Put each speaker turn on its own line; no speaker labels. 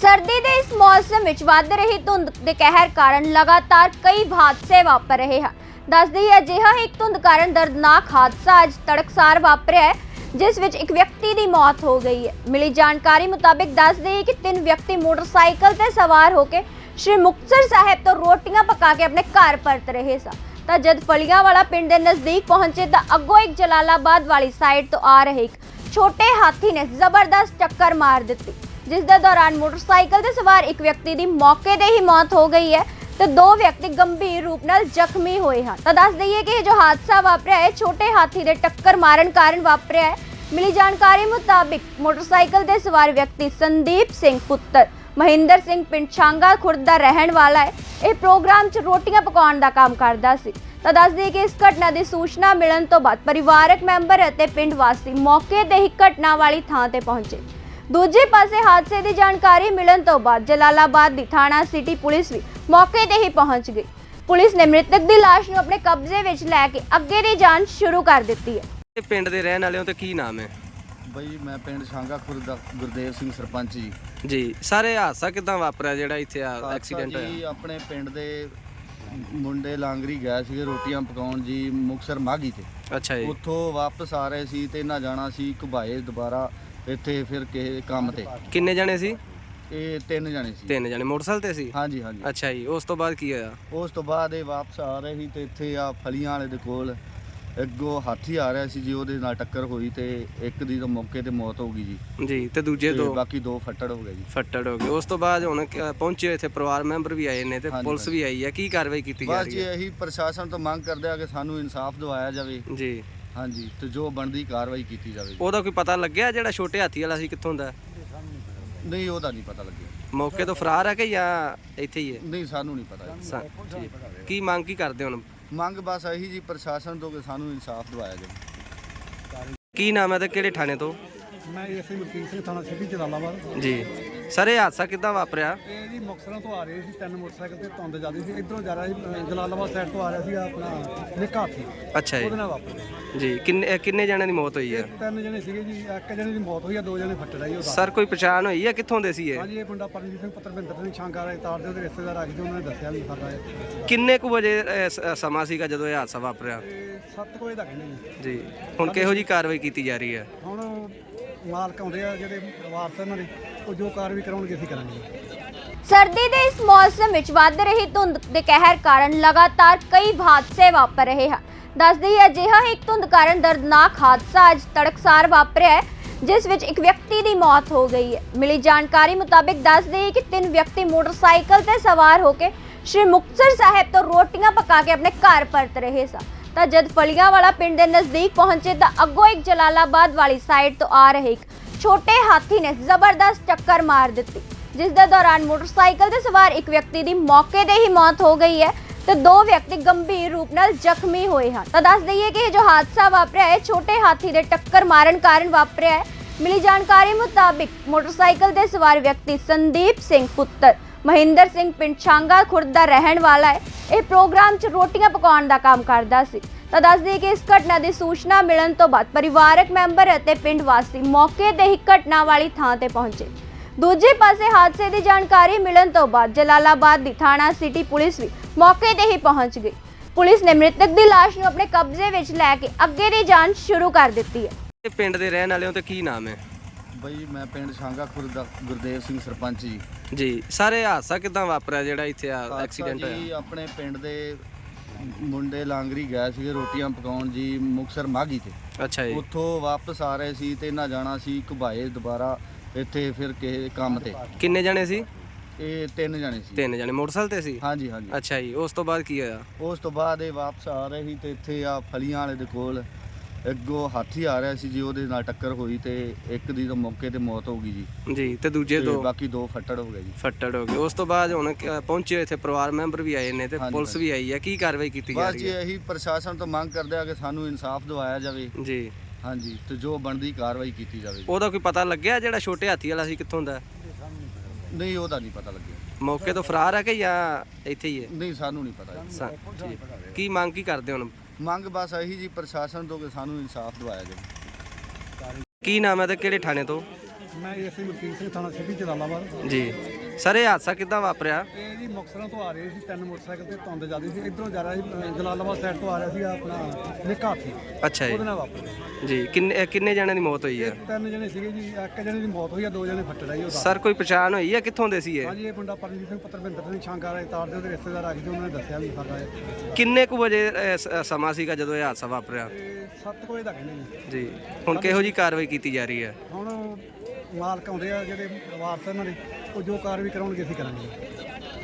सर्दी के इस मौसम में वध रही धुंध के कहर कारण लगातार कई हादसे वापर रहे हैं। दस दी अजिहा एक धुंध कारण दर्दनाक हादसा अज तड़कसार वापरिया है, जिस विच एक व्यक्ति की मौत हो गई है। मिली जानकारी मुताबिक दस दी कि 3 व्यक्ति मोटरसाइकिल से सवार होकर श्री मुक्तसर साहिब तो रोटियां पका के अपने घर परत रहे सन। तो जद फलियां वाला पिंड के नज़दीक पहुंचे तो अगों एक जलालाबाद वाली साइड तो आ रहे एक छोटे हाथी ने जबरदस्त टक्कर मार दी, जिस दे दौरान मोटरसाइकिल से सवार एक व्यक्ति की मौके ते ही मौत हो गई है तो 2 व्यक्ति गंभीर रूप नाल जख्मी होए हैं। तो दस दईए कि जो हादसा वापरिया है छोटे हाथी के टक्कर मारन कारण वापरिया है। मिली जानकारी मुताबिक मोटरसाइकिल से सवार व्यक्ति संदीप सिंह पुत्र महेंद्र सिंह पिंड छांगा खुर्द का रहन वाला है। यह प्रोग्राम च रोटियां पकाउण का काम करता सी। तो दस दी कि इस घटना की सूचना मिलने तो बाद परिवारक मैंबर और पिंड वासी मौके ते ही घटना वाली थां ते पहुंचे। दूजे पासे हादसे की जानकारी मिलने तो बाद जलालाबाद की थाना सिटी पुलिस भी मौके ते ही पहुंच गई। पुलिस ने मृतक की लाश को अपने कब्जे विच लैके अगे की जांच शुरू कर दी है।
पिंड दे रहने वाले हो तो की नाम है?
बई मैं पिंड छांगा खुर्द दा गुरदेव सिंह सरपंच जी।
जी सारे हादसा किदां वापरिया जेड़ा इत्थे एक्सीडेंट
जी
होया?
अपने पिंड दे मुंडे लांगरी गए सी रोटियां पकाउण जी मुक्तसर माघी ते।
अच्छा जी।
उत्थों वापस आ रहे सी ते ना जाना सी घुबाए दोबारा ਇੱਥੇ ਫਿਰ ਕਿਸੇ ਕੰਮ ਤੇ।
किन्ने जने सी?
ਇਹ 3 ਜਣੇ ਸੀ।
3 जने मोटरसाइकिल ते सी?
ਹਾਂਜੀ ਹਾਂਜੀ।
अच्छा जी। उस तो बाद की होया?
ਉਸ ਤੋਂ ਬਾਅਦ ਇਹ ਵਾਪਸ ਆ ਰਹੇ ਸੀ ਤੇ ਇੱਥੇ ਆ ਫਲੀਆਂ ਵਾਲੇ ਦੇ ਕੋਲ ਅੱਗੋਂ ਹਾਥੀ ਆ ਰਿਹਾ ਸੀ ਜੀ, ਉਹਦੇ ਨਾਲ ਟੱਕਰ ਹੋਈ ਤੇ ਇੱਕ ਦੀ ਤਾਂ ਮੌਕੇ ਤੇ ਮੌਤ ਹੋ ਗਈ ਜੀ।
जी ते दूजे
ਤੇ
2
ਬਾਕੀ 2 ਫੱਟੜ ਹੋ ਗਏ ਜੀ।
फट्टड़ हो गए। उस तो बाद हुण पहुंचे इत्थे परिवार मैंबर भी आए ने ते
हाँ जी,
पुलिस
हाँ
भी आई है। की कार्रवाई की जा
ਬਸ
रही
ਜੀ
है?
ਇਹੀ ਪ੍ਰਸ਼ਾਸਨ ਤੋਂ ਮੰਗ ਕਰਦੇ ਆ ਕਿ ਸਾਨੂੰ ਇਨਸਾਫ ਦਿਵਾਇਆ ਜਾਵੇ।
जी
ਹਾਂਜੀ ਤੇ ਜੋ ਬਣਦੀ ਕਾਰਵਾਈ ਕੀਤੀ ਜਾਵੇ।
ਉਹਦਾ ਕੋਈ ਪਤਾ ਲੱਗਿਆ ਜਿਹੜਾ ਛੋਟੇ ਹਾਥੀ ਵਾਲਾ ਸੀ ਕਿੱਥੋਂ ਦਾ?
ਨਹੀਂ ਉਹਦਾ ਨਹੀਂ ਪਤਾ ਲੱਗਿਆ।
ਮੌਕੇ ਤੋਂ ਫਰਾਰ ਹੈ ਕਿ ਜਾਂ ਇੱਥੇ ਹੀ ਹੈ?
ਨਹੀਂ ਸਾਨੂੰ ਨਹੀਂ ਪਤਾ ਜੀ।
ਜੀ। ਕੀ ਮੰਗ ਕੀ ਕਰਦੇ ਹੁਣ?
ਮੰਗ ਬਸ ਇਹੀ ਜੀ ਪ੍ਰਸ਼ਾਸਨ ਤੋਂ ਕਿ ਸਾਨੂੰ ਇਨਸਾਫ ਦਿਵਾਇਆ ਜਾਵੇ।
ਕੀ ਨਾਮ ਹੈ ਤੇ ਕਿਹੜੇ ਥਾਣੇ ਤੋਂ?
ਮੈਂ ਐਸਆਈ ਮਲਕੀਤ ਸਿੰਘ ਥਾਣਾ ਸਿਟੀ ਜਲਾਲਾਬਾਦ।
ਜੀ ਸਰ ਇਹ ਹਾਦਸਾ ਕਿੱਦਾਂ ਵਾਪਰਿਆ?
ਇਹ ਜੀ ਮੁਕਤਸਰੋਂ ਤੋਂ ਆ ਰਹੇ ਸੀ 3 ਮੋਟਰਸਾਈਕਲ ਤੇ ਧੁੰਦ ਜਾਂਦੀ ਸੀ, ਇਧਰੋਂ ਜਾ ਰਿਹਾ ਸੀ ਜਲਾਲਾਬਾਦ ਸਾਈਡ ਤੋਂ ਆ ਰਿਹਾ ਸੀ ਆਪਣਾ ਨਿੱਕਾ ਹਾਥੀ,
ਅੱਛਾ ਜੀ।
ਉਹਦੇ ਨਾਲ ਵਾਪਰਿਆ।
ਜੀ ਕਿੰਨੇ ਜਣਿਆਂ ਦੀ ਮੌਤ ਹੋਈ ਹੈ?
3 ਜਣੇ ਸੀਗੇ ਜੀ, ਇੱਕ ਜਣੇ ਦੀ ਮੌਤ ਹੋਈ ਆ, 2 ਜਣੇ ਫੱਟੜ ਆਈ ਉਹਦਾ।
ਸਰ ਕੋਈ ਪਛਾਣ ਹੋਈ ਹੈ ਕਿੱਥੋਂ ਦੇ ਸੀ ਇਹ?
ਹਾਂਜੀ ਇਹ ਮੁੰਡਾ ਪਰਮਜੀਤ ਸਿੰਘ ਪੁੱਤਰ ਮਹਿੰਦਰ ਸਿੰਘ ਛਾਂਗਾ ਰਾਏ ਤਾਰ ਦੇ ਉਹਦੇ ਰਿਸ਼ਤੇਦਾਰ ਆ ਕੇ ਉਹਨਾਂ ਨੇ ਦੱਸਿਆ ਵੀ ਸਾਡਾ ਇਹ
ਕਿੰਨੇ ਕੁ ਵਜੇ ਸਮਾਂ ਸੀਗਾ ਜਦੋਂ ਇਹ ਹਾਦਸਾ ਵਾਪਰਿਆ?
7 ਵਜੇ ਦਾ ਕਹਿੰਦੇ ਜੀ।
ਜੀ ਹੁਣ ਕਿਹੋ ਜੀ ਕਾਰਵਾਈ ਕੀਤੀ ਜਾ ਰਹੀ ਹੈ?
ਹੁਣ ਮਾਲਕ ਆਉਂਦੇ ਆ ਜਿਹੜੇ ਵਾਰਸ ਇਹਨਾਂ ਦੇ, ਉਹ ਜੋ ਕਾਰਵਾਈ ਕਰਾਉਣਗੇ ਅਸੀਂ ਕਰਾਂਗੇ।
सर्दी के इस मौसम में वध रही धुंध के कहर कारण लगातार कई हादसे वापर रहे हैं। दस दी अजिहा एक धुंध कारण दर्दनाक हादसा अज तड़कसार वापरिया है, जिस विच एक व्यक्ति की मौत हो गई है। मिली जानकारी मुताबिक दस दी कि 3 व्यक्ति मोटरसाइकिल से सवार होकर श्री मुक्तसर साहिब तो रोटियां पका के अपने घर परत रहे सन। तो जद फलियां वाला पिंड के नज़दीक पहुंचे तो अगों एक जलालाबाद वाली साइड तो आ रहे एक छोटे हाथी ने जबरदस्त टक्कर मार दी, जिस दे दौरान मोटरसाइकिल से सवार एक व्यक्ति की मौके ते ही मौत हो गई है तो 2 व्यक्ति गंभीर रूप नाल जख्मी होए हैं। तो दस दईए कि जो हादसा वापरिया है छोटे हाथी के टक्कर मारन कारण वापरिया है। मिली जानकारी मुताबिक मोटरसाइकिल से सवार व्यक्ति संदीप सिंह पुत्र महेंद्र सिंह पिंड छांगा खुर्द का रहन वाला है। यह प्रोग्राम च रोटियां पकाउण का काम करता सी। तो दस दी कि इस घटना की सूचना मिलने तो बाद परिवारक मैंबर और पिंड वासी मौके ते ही घटना वाली थां ते पहुंचे। दूजे पासे हादसे की जानकारी मिलने तो बाद जलालाबाद की थाना सिटी पुलिस भी मौके ते ही पहुंच गई। पुलिस ने मृतक की लाश को अपने कब्जे विच लैके अगे की जांच शुरू कर दी है।
ਪਿੰਡ ਦੇ ਰਹਿਣ ਵਾਲੇ ਹੋ ਤੇ ਕੀ ਨਾਮ ਹੈ?
ਬਈ ਮੈਂ ਪਿੰਡ ਛਾਂਗਾ ਖੁਰਦ ਦਾ ਗੁਰਦੇਵ ਸਿੰਘ ਸਰਪੰਚ ਜੀ।
ਜੀ ਸਾਰੇ ਹਾਦਸਾ ਕਿਦਾਂ ਵਾਪਰਿਆ ਜਿਹੜਾ ਇੱਥੇ ਐਕਸੀਡੈਂਟ
ਜੀ
ਹੋਇਆ?
ਆਪਣੇ ਪਿੰਡ ਦੇ ਮੁੰਡੇ ਲਾਂਗਰੀ ਗਏ ਸੀ ਰੋਟੀਆਂ ਪਕਾਉਣ ਜੀ ਮੁਕਤਸਰ ਮਾਘੀ ਤੇ।
ਅੱਛਾ ਜੀ।
ਉੱਥੋਂ ਵਾਪਸ ਆ ਰਹੇ ਸੀ ਤੇ ਨਾ ਜਾਣਾ ਸੀ ਘੁਬਾਏ ਦੁਬਾਰਾ ਇੱਥੇ ਫਿਰ ਕਿਸੇ ਕੰਮ ਤੇ।
ਕਿੰਨੇ ਜਣੇ ਸੀ?
ਇਹ 3 ਜਣੇ ਸੀ।
3 ਜਣੇ ਮੋਟਰਸਾਈਕਲ ਤੇ ਸੀ?
ਹਾਂਜੀ ਹਾਂਜੀ।
ਅੱਛਾ ਜੀ। ਉਸ ਤੋਂ ਬਾਅਦ ਕੀ ਹੋਇਆ?
ਉਸ ਤੋਂ ਬਾਅਦ ਇਹ ਵਾਪਸ ਆ ਰਹੇ ਸੀ ਤੇ ਇੱਥੇ ਆ ਫਲੀਆਂ ਵਾਲੇ ਦੇ ਕੋਲ ਅੱਗੋਂ ਹਾਥੀ ਆ ਰਿਹਾ ਸੀ ਜੀ, ਉਹਦੇ ਨਾਲ ਟੱਕਰ ਹੋਈ ਤੇ ਇੱਕ ਦੀ ਤਾਂ ਮੌਕੇ ਤੇ ਮੌਤ ਹੋ ਗਈ ਜੀ।
ਜੀ ਤੇ ਦੂਜੇ
ਤੇ
2
ਬਾਕੀ 2 ਫੱਟੜ ਹੋ ਗਏ ਜੀ।
ਫੱਟੜ ਹੋ ਗਏ। ਉਸ ਤੋਂ ਬਾਅਦ ਹੁਣ ਪਹੁੰਚੇ ਇੱਥੇ ਪਰਿਵਾਰ ਮੈਂਬਰ ਵੀ ਆਏ ਨੇ ਤੇ
ਹਾਂਜੀ,
ਪੁਲਿਸ ਵੀ ਆਈ ਹੈ। ਕੀ ਕਾਰਵਾਈ ਕੀਤੀ ਜਾ
ਬਸ
ਰਹੀ
ਜੀ
ਹੈ?
ਇਹੀ ਪ੍ਰਸ਼ਾਸਨ ਤੋਂ ਮੰਗ ਕਰਦੇ ਆ ਕਿ ਸਾਨੂੰ ਇਨਸਾਫ ਦਿਵਾਇਆ ਜਾਵੇ।
ਜੀ
ਹਾਂਜੀ ਤੇ ਜੋ ਬਣਦੀ ਕਾਰਵਾਈ ਕੀਤੀ ਜਾਵੇ।
ਉਹਦਾ ਕੋਈ ਪਤਾ ਲੱਗਿਆ ਜਿਹੜਾ ਛੋਟੇ ਹਾਥੀ ਵਾਲਾ ਸੀ ਕਿੱਥੋਂ ਦਾ?
ਨਹੀਂ ਉਹਦਾ ਨਹੀਂ ਪਤਾ ਲੱਗਿਆ।
ਮੌਕੇ ਤੋਂ ਫਰਾਰ ਹੈ ਕਿ ਜਾਂ ਇੱਥੇ ਹੀ ਹੈ?
ਨਹੀਂ ਸਾਨੂੰ ਨਹੀਂ ਪਤਾ ਜੀ।
ਜੀ। ਕੀ ਮੰਗ ਕੀ ਕਰਦੇ ਹੁਣ?
ਮੰਗ ਬਸ ਇਹੀ ਜੀ ਪ੍ਰਸ਼ਾਸਨ ਤੋਂ ਕਿ ਸਾਨੂੰ ਇਨਸਾਫ ਦਿਵਾਇਆ ਜਾਵੇ।
ਕੀ ਨਾਮ ਹੈ ਤੇ ਕਿਹੜੇ ਥਾਣੇ ਤੋਂ?
ਮੈਂ ਐਸਆਈ ਮਲਕੀਤ ਸਿੰਘ ਥਾਣਾ ਸਿਟੀ ਜਲਾਲਾਬਾਦ।
ਜੀ ਸਰ ਇਹ ਹਾਦਸਾ ਕਿੱਦਾਂ ਵਾਪਰਿਆ?
ਇਹ ਜੀ ਮੁਕਤਸਰੋਂ ਤੋਂ ਆ ਰਹੇ ਸੀ, ਤਿੰਨ ਮੋਟਰਸਾਈਕਲ ਤੇ ਧੁੰਦ ਜ਼ਿਆਦਾ ਸੀ, ਇਧਰੋਂ ਜਾ ਰਿਹਾ ਸੀ ਜਲਾਲਾਬਾਦ ਸਾਈਡ ਤੋਂ ਆ ਰਿਹਾ ਸੀ ਆਪਣਾ ਨਿੱਕਾ ਹਾਥੀ,
ਅੱਛਾ ਜੀ।
ਉਹਦੇ ਨਾਲ ਵਾਪਰਿਆ
ਜੀ ਕਿੰਨੇ ਜਣਿਆਂ ਦੀ ਮੌਤ ਹੋਈ ਹੈ?
ਤਿੰਨ ਜਣੇ ਸੀਗੇ ਜੀ, ਇੱਕ ਜਣੇ ਦੀ ਮੌਤ ਹੋਈ ਆ, ਦੋ ਜਣੇ ਫੱਟੜ ਆ ਜੀ ਉਹਦਾ।
ਸਰ ਕੋਈ ਪਛਾਣ ਹੋਈ ਹੈ ਕਿੱਥੋਂ ਦੇ ਸੀ ਇਹ?
ਹਾਂਜੀ, ਇਹ ਮੁੰਡਾ ਪਰਮਜੀਤ ਸਿੰਘ ਪੁੱਤਰ ਭਿੰਦਰ ਸਿੰਘ ਸ਼ਾਂਗਾਰਾ ਤਾਰ ਦੇ ਉਹਦੇ ਰਿਸ਼ਤੇਦਾਰ ਆ ਗਏ ਸੀ, ਉਹਨਾਂ ਨੇ ਦੱਸਿਆ ਵੀ ਸਾਡਾ ਇਹ
ਕਿੰਨੇ ਕੁ ਵਜੇ ਸਮਾਂ ਸੀਗਾ ਜਦੋਂ ਇਹ ਹਾਦਸਾ ਵਾਪਰਿਆ?
7 ਵਜੇ ਦਾ ਕਹਿੰਦੇ ਜੀ।
ਜੀ ਹੁਣ ਕਿਹੋ ਜੀ ਕਾਰਵਾਈ ਕੀਤੀ ਜਾ ਰਹੀ ਹੈ?
ਹੁਣ ਮਾਲਕ ਆਉਂਦੇ ਆ ਜਿਹੜੇ ਵਾਰਸ ਇਹਨਾਂ ਦੇ, ਉਹ ਜੋ ਕਾਰਵਾਈ ਕਰਾਉਣਗੇ ਅਸੀਂ ਕਰਾਂਗੇ।